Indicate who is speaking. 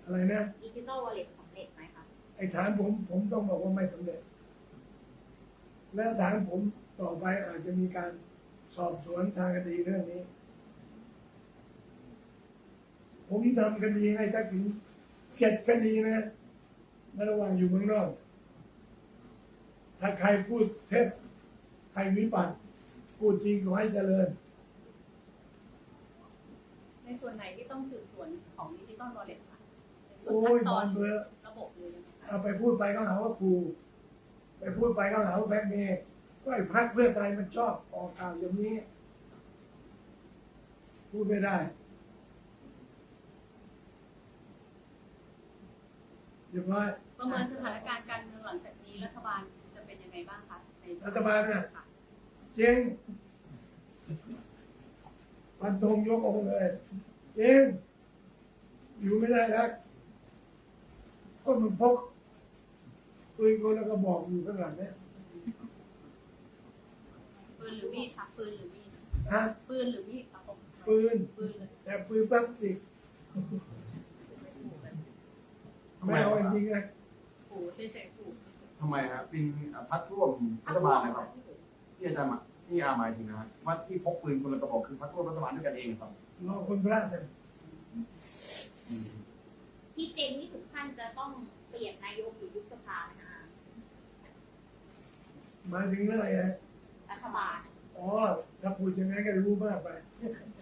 Speaker 1: อะไรนะ
Speaker 2: ดิจิตอลวอลเล็ตสำเร็จไหมคะ
Speaker 1: ไอ้ฐานผมต้องบอกว่าไม่สำเร็จและฐานผมต่อไปอาจจะมีการสอบสวนทางคดีเรื่องนี้ ผมทำคดีให้ทักษิณ7 คดีนะในระหว่างอยู่เมืองนอก ถ้าใครพูดเท็จใครวิบัติพูดจริงขอให้เจริญ
Speaker 3: ในส่วนไหนที่ต้องสืบสวนของดิจิตอลวอลเล็ตค่ะในส่วน
Speaker 1: โอ้ย
Speaker 3: ขั้นตอน
Speaker 1: บานเบอร์
Speaker 3: ระบบเลยงไงคะ
Speaker 1: เอาไปพูดไปก็หาว่าครูไปพูดไปก็หาว่าแบล็กเมย์ก็ไอ้พรรคเพื่อไทยมันชอบออกข่าวอย่างนี้ พูดไม่ได้เรียบร้อย
Speaker 3: ประเมินสถานการณ์การเมืองหลังจากนี้รัฐบาลจะเป็นยังไงบ้างคะในส่วน
Speaker 1: รัฐบาลน่ะ
Speaker 3: ค่ะ
Speaker 1: เจ๊งฟันธงยกองค์เลยเจ๊งอยู่ไม่ได้แล้วก็มันพกปืนคนแล้วก็บอกอยู่ข้างหลังเนี่ย
Speaker 3: ปืนหรือมีดค่ะปืนหรือมีด
Speaker 1: ฮะ
Speaker 3: ปืนหรือมีดครับผม
Speaker 1: ปืน
Speaker 3: ปืนเลย
Speaker 1: แต่ปืนพลาสติกไม่เอาจริงๆนะ
Speaker 3: ขู่เฉยๆขู่
Speaker 4: ทำไมครับเป็นพรรคร่วมรัฐบาลนะครับที่อาจารย์ที่อาหมายถึงนะครับว่าที่พกปืนคนละกระบอกคือพรรคร่วมรัฐบาลด้วยกันเองครับ
Speaker 1: รอคนพลาดเลย
Speaker 4: อืม
Speaker 2: ที่เจงนี่ถึงขั้นจะต้องเปลี่ยนนายกหรือยุบสภานะคะ
Speaker 1: หมายถึงเรื่องอะไรนะ
Speaker 2: รัฐบาล
Speaker 1: อ๋อถ้าพูดอย่างนั้นก็รู้มากไป